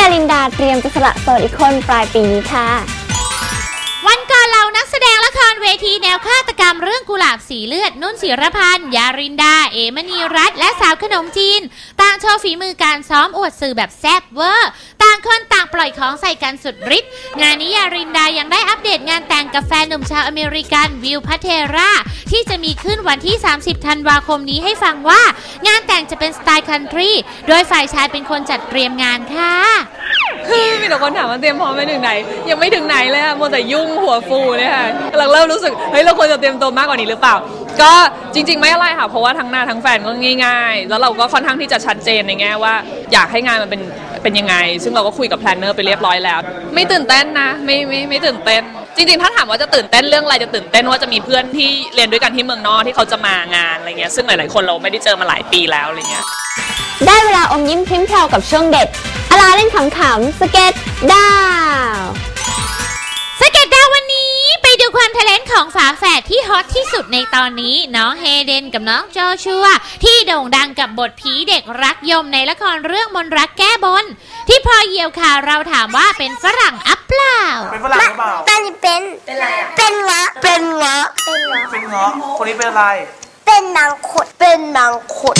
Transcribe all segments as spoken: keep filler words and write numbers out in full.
อารินดาเตรียมจะสละโสดอีกคนปลายปีนี้ค่ะวันก่อนเรานักแสดงละครเวทีแนวฆาตกรรมเรื่องกุหลาบสีเลือดนุ่นศิรพันธ์ยารินดาเอมณีรัตน์และสาวขนมจีนต่างโชว์ฝีมือการซ้อมอวดสื่อแบบแซ่บเวอร์ต่างคนต่างปล่อยของใส่กันสุดฤทธิ์งานนี้ยารินดายังได้อัปเดตงานแต่งกับแฟนหนุ่มชาวอเมริกันวิลพัทเทราที่จะมีขึ้นวันที่สามสิบธันวาคมนี้ให้ฟังว่างานแต่งจะเป็นสไตล์คันทรีโดยฝ่ายชายเป็นคนจัดเตรียมงานค่ะมีแต่คนถามว่าเตรียมพร้อมไปถึงไหนยังไม่ถึงไหนเลยค่ะมัวแต่ยุ่งหัวฟูเนี่ยค่ะเราเริ่มรู้สึกเฮ้ยเราควรจะเตรียมตัวมากกว่านี้หรือเปล่าก็จริงๆไม่อะไรค่ะเพราะว่าทั้งหน้าทั้งแฟนก็ง่ายๆแล้วเราก็ค่อนข้างที่จะชัดเจนในแง่ว่าอยากให้งานมันเป็นเป็นยังไงซึ่งเราก็คุยกับแพลนเนอร์ไปเรียบร้อยแล้วไม่ตื่นเต้นนะไม่ไม่ไม่ตื่นเต้นจริงๆถ้าถามว่าจะตื่นเต้นเรื่องอะไรจะตื่นเต้นว่าจะมีเพื่อนที่เรียนด้วยกันที่เมืองนอกที่เขาจะมางานอะไรเงี้ยซึ่งหลายๆคนเราไม่ได้เจอมาหลายปีแล้วอะไรเงี้ยได้เวลาอมยิ้มพริ้มแพรวกับช่วงเด็ดอลาเล่นขำๆสเก็ตดาวสเก็ตดาววันนี้ไปดูความเทเลนต์ของฝาแฝดที่ฮอตที่สุดในตอนนี้น้องเฮเดนกับน้องโจชัวที่โด่งดังกับบทผีเด็กรักยมในละครเรื่องมนรักแก้บนที่พอเหยี่ยวข่าวเราถามว่าเป็นฝรั่งอัปเปล่าเป็นฝรั่งหรือเปล่าเป็นเป็นเป็นอะไรอ่ะเป็นเงาะเป็นเงาะเป็นเงาะเป็นเงาะคนนี้เป็นอะไรเป็นนางขดเป็นนางขด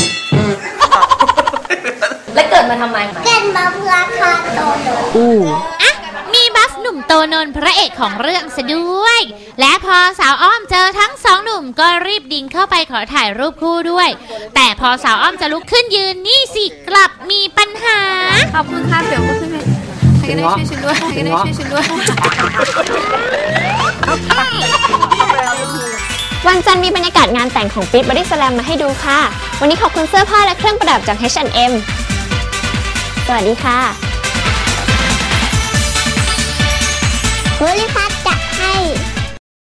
และเกิดมาทำไมเกิดมาเพื่อฆ่าโตโนอ่ะมีบัฟหนุ่มโตนนท์พระเอกของเรื่องซะด้วยและพอสาวอ้อมเจอทั้งสองหนุ่มก็รีบดิ่งเข้าไปขอถ่ายรูปคู่ด้วยแต่พอสาวอ้อมจะลุกขึ้นยืนนี่สิกลับมีปัญหาขอบคุณค่ะเดี๋ยวก็ขึ้นไปใครก็ได้ช่วยฉันด้วยใครก็ได้ช่วยฉันด้วยวันจันทร์มีบรรยากาศงานแต่งของปิ๊ดบอดี้สแลมมาให้ดูค่ะวันนี้ขอบคุณเสื้อผ้าและเครื่องประดับจาก เอช แอนด์ เอ็ม สวัสดีค่ะ